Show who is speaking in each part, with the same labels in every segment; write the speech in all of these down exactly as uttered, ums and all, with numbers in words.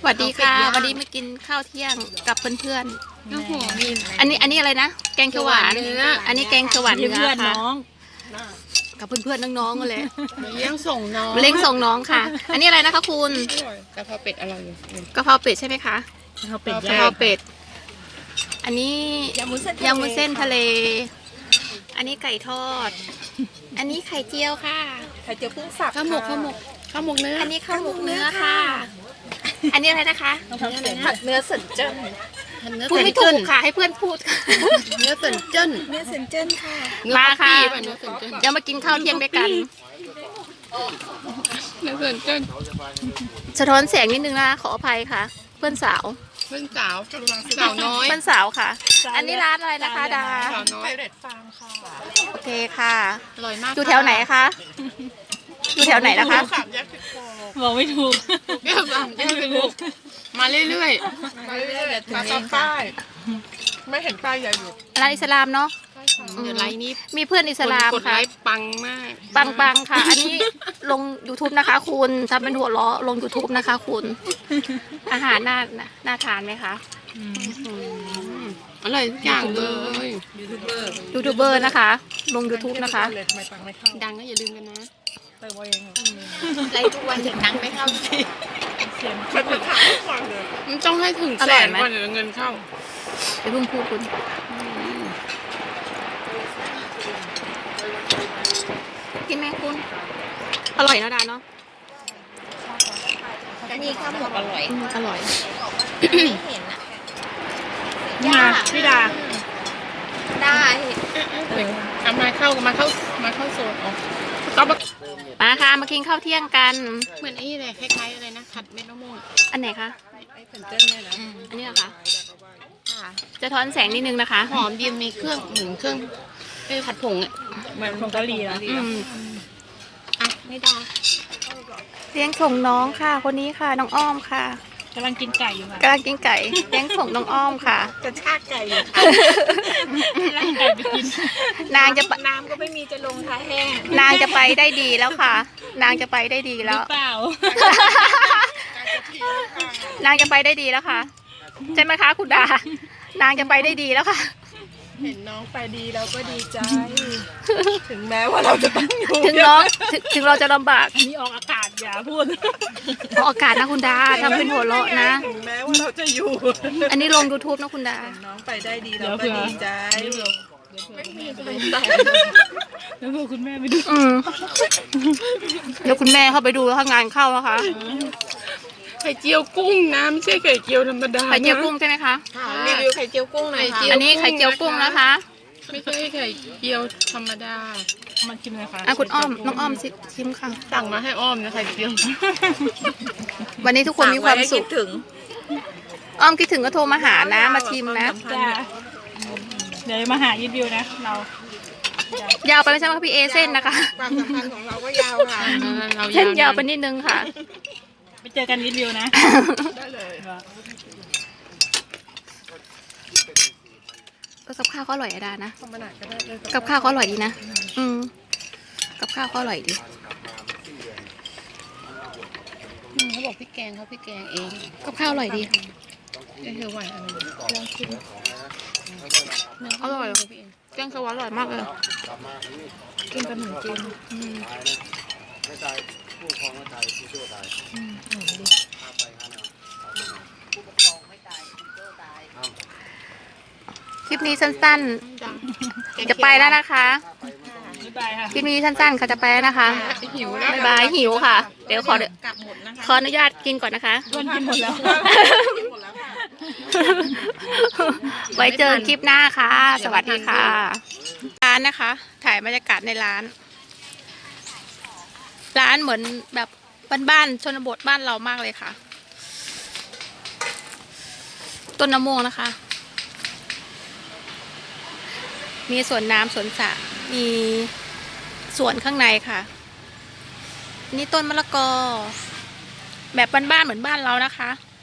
Speaker 1: สวัสดีค่ะวันนี้มากินข้าวเที่ยงกับเพื่อน
Speaker 2: โอ้โหมี
Speaker 1: ๆอันนี้อันนี้อะไรนะแกงเขียวหวาน
Speaker 2: เนื้อ
Speaker 1: อันนี้แกงเขียวหวานเนื้อ
Speaker 3: เพื่อน
Speaker 1: ค่ะ
Speaker 3: น้อง
Speaker 1: กับเพื่อนๆน้องๆกันเลย
Speaker 2: เลี้ยงส่งน้อง
Speaker 1: มาเล้งส่งน้องค่ะ อันนี้อะไรนะคะคุณ
Speaker 2: กะเพราเป็ดอร่อยอยู่
Speaker 1: กะเพราเป็ดใช่ไหมคะ
Speaker 3: เขาเป็น
Speaker 1: กะ
Speaker 3: ย่า
Speaker 1: เพราเป็ดอันนี้
Speaker 3: ยำมุ้นเส้น
Speaker 1: ยำมุ้นเส้นทะเล อันนี้ไก่ทอด อันนี้ไข่เจียวค่ะ
Speaker 3: ไข่เจียวกุ้งสับ
Speaker 2: ข้าวหมกข้าวหมกข้าวหมกเนื้อ
Speaker 1: อันนี้ข้าวหมกเนื้อค่ะ อันนี้อะไรนะคะ
Speaker 3: ผัดเนื้อสันเจิ้น
Speaker 2: เนื้อ
Speaker 1: พูด
Speaker 2: เส้น
Speaker 1: ไม่ถู
Speaker 2: เจิ้น
Speaker 1: กค่ะให้เพื่อนพูดค่ะ
Speaker 2: เนื้อเส้นเจิ้น
Speaker 3: เนื้อสันเจิ้นค่ะ
Speaker 2: เนื้อ
Speaker 1: มาค่ะ
Speaker 2: ป๊อปปี้ป่ะเนื้อเส้นเจิ้น
Speaker 1: เดี๋ยวมากินข้าวเที่ยงด้วยกัน
Speaker 2: เนื้อเส้นเจิ้น
Speaker 1: สะท้อนแสงนิดนึงนะขออภัยค่ะ เพื่อนสาว
Speaker 2: เพื่อนสาวสาวน้อย
Speaker 1: เพื่อนสาวค่ะ อันนี้ร้านอะไรนะคะดา
Speaker 2: สาวน้อย
Speaker 1: โอเคค่ะ
Speaker 2: อร่อยมาก
Speaker 1: อยู่แถวไหนคะอยู่แถวไหนนะคะ
Speaker 2: สามแยกสิบโ
Speaker 3: บอกไม่ถูก
Speaker 2: แยกสามแยกสิบหกมาเรื่อยๆมาเรื่อยๆถึงเองป้ายไม่เห็นป้ายใหญ่อยู่
Speaker 1: ร้านอิสลามเนาะ
Speaker 2: เดี๋ยวไลน์นี้
Speaker 1: มีเพื่อนอิสลาม
Speaker 2: กดไล
Speaker 1: ค่ะ
Speaker 2: ค์ปังมาก
Speaker 1: ปังปังๆค่ะ อันนี้ลง YouTube นะคะ คุณทำเป็นหัวเราะลง YouTube นะคะคุณ อาหารน่าน่าทานไหมคะ
Speaker 2: อร่อยทุกอย่างเลย
Speaker 1: ยูทูบเบอร์นะคะ ลง YouTube นะคะ
Speaker 3: เลยทำไมตังไม่เข้า
Speaker 2: ดังก็อย่าลืมกันนะ
Speaker 3: เติมเอาเอง
Speaker 1: ไลฟ์ทุกวันถึงนังไม่เข้าสิ
Speaker 3: เสียง
Speaker 2: มันต้องให้ถึง
Speaker 1: อ
Speaker 2: แส
Speaker 1: ร่อย
Speaker 2: น
Speaker 1: ไหม
Speaker 2: ก่อนเดี๋ยวเงินเข้า
Speaker 1: ไปเพิ่งพูดคุณกินไหมคุณ อร่อยนะดาเนาะ
Speaker 3: นี่ข้าวหมกอร่อย
Speaker 1: อืมอร่อย
Speaker 3: ไม่เห็นอ่ะย่าพี่ดา
Speaker 1: ได้
Speaker 2: เอามาเข้ามาเข้ามาเข้าโซนอ๋อต้องมา
Speaker 1: มาค่ะมากินข้าวเที่ยงกัน
Speaker 2: เหมือนไอ้นี่เลยคล้ายๆอะไรนะขัดเม็ดมะม่วง
Speaker 1: อันไหนคะ
Speaker 2: ไอ้ผนเจิ้นเนี่ยนะ
Speaker 1: อันนี้เหรอคะจะท้อนแสงนิดนึงนะคะ
Speaker 2: หอมดีมีเครื่องเหมือนเครื่องไอ้ผัดผงอ่ะ
Speaker 3: เหมือนของเกาหลีนะ
Speaker 1: อืม
Speaker 2: อ่ะไม่ได้
Speaker 1: เลี้ยงส่งน้องค่ะ คนนี้ค่ะ น้องอ้อมค่ะ
Speaker 3: กำลังกินไก่อยู่ค่ะ
Speaker 1: กำลังกินไก่เลี้ยงส่งน้องอ้อมค่ะ
Speaker 3: จะชากไก่อยู่ไล่ไก่ไปกิน
Speaker 1: นางจะไป
Speaker 3: น้ำก็ไม่มีจะลงท้ายแห้ง
Speaker 1: นางจะไปได้ดีแล้วค่ะ นางจะไปได้ดี
Speaker 3: หรื
Speaker 1: แล้ว
Speaker 3: อเปล่า
Speaker 1: นางจะไปได้ดีแล้วค่ะใช่ไหมคะคุณดา นางจะไปได้ดีแล้วค่ะ
Speaker 3: เห็นน้องไปดีเราก็ดีใจ ถึงแม้ว่าเราจะต้องอยู่
Speaker 1: ถึงน้องถึงถึงเราจะลำบาก
Speaker 3: นี่ออกอากาศอย่าพูด
Speaker 1: ออกอากาศนะคุณดาทำเป็นหัวเราะนะ
Speaker 3: ถึงแม้ว่าเราจะอยู่
Speaker 1: อันนี้ลง YouTube นะคุณดา
Speaker 3: น้องไปได้ดีเราก็ดีใจไม่มีอะไรแต่แล้วพวกคุณแม่ไปดู
Speaker 1: อืมเดี๋ยวคุณแม่เข้าไปดูแล้วถ้างานเข้านะคะ
Speaker 2: ไข่เจียวกุ้งนะไม่ใช่ไข่เจียวธรรมดา
Speaker 1: ไข่เจียวกุ้งใช่ไหมคะ
Speaker 3: รีวิวไข่เจียวกุ้งหน่อยค่ะ
Speaker 1: อันนี้ไข่เจียวกุ้งนะคะ
Speaker 2: ไม่ใช่ไข่เจียวธรรมดา
Speaker 3: มาชิมเลยค่ะ
Speaker 1: อ่ะคุณอ้อมน้องอ้อมสิชิมค่ะ
Speaker 2: สั่งมาให้อ้อมนะไข่เจียว
Speaker 1: วันนี้ทุกคนมีความสุข
Speaker 3: ถึง
Speaker 1: อ้อมคิดถึงก็โทรมาหานะ มาชิมนะ
Speaker 3: จ้าเดี๋ยวมาหายิดวิวนะ เรา
Speaker 1: ยาวไปไม่ใช่ว่าพี่เอเส้นนะคะ
Speaker 3: ความสัมพันธ์ของเราก็ยาวค่ะ
Speaker 2: เรา
Speaker 1: เส้นยาวไปนิดนึงค่ะ
Speaker 3: ไปเจอกันยิดวิวนะ
Speaker 2: ได้เลย
Speaker 1: ก็กับข้าวก็อร่อยอะดานะ
Speaker 2: ธรรมดาก็ได้เลย
Speaker 1: กับข้าวก็อร่อยดีนะ อืม กับข้าวก็อร่อยดี
Speaker 2: เขาบอกพี่แกงเขาพี่แกงเอง
Speaker 1: กับข้าวอร่อยดี
Speaker 2: ได้เธอไหวอะไรลองชิม
Speaker 1: อร่อยแกงเขียวหวานอร่อยมากเลย
Speaker 3: กินกับหมูจีน
Speaker 1: อืมคลิปนี้สั้นๆ จะไปแล้วนะคะ
Speaker 3: บ๊ายบายค่ะ
Speaker 1: คลิปนี้สั้นๆค่ะจะไปแล้วนะคะ
Speaker 2: หิวแล้ว
Speaker 1: บ๊ายบายหิวค่ะ เดี๋ยวขอก
Speaker 3: ลับหมดนะคะ
Speaker 1: ขออนุญาตกินก่อนนะคะ
Speaker 3: ด้วนกินหมดแล้ว
Speaker 1: ไว้เจอคลิปหน้าค่ะ สวัสดีค่ะ ร้านนะคะ ถ่ายบรรยากาศในร้าน ร้านเหมือนแบบบ้านๆชนบทบ้านเรามากเลยค่ะ ต้นมะม่วงนะคะ มีสวนน้ำสวนสระมีสวนข้างในค่ะ นี่ต้นมะละกอ แบบบ้านๆเหมือนบ้านเรานะคะ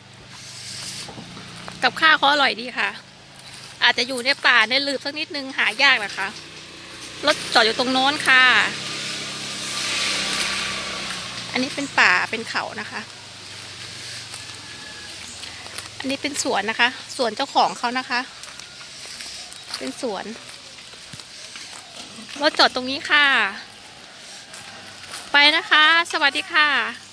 Speaker 1: กับข้าวเขาอร่อยดีค่ะ อาจจะอยู่ในป่าในหลืบสักนิดนึงหายากนะคะรถจอดอยู่ตรงโน้นค่ะ อันนี้เป็นป่าเป็นเขานะคะอันนี้เป็นสวนนะคะสวนเจ้าของเขานะคะ เป็นสวนรถจอดตรงนี้ค่ะ ไปนะคะ สวัสดีค่ะ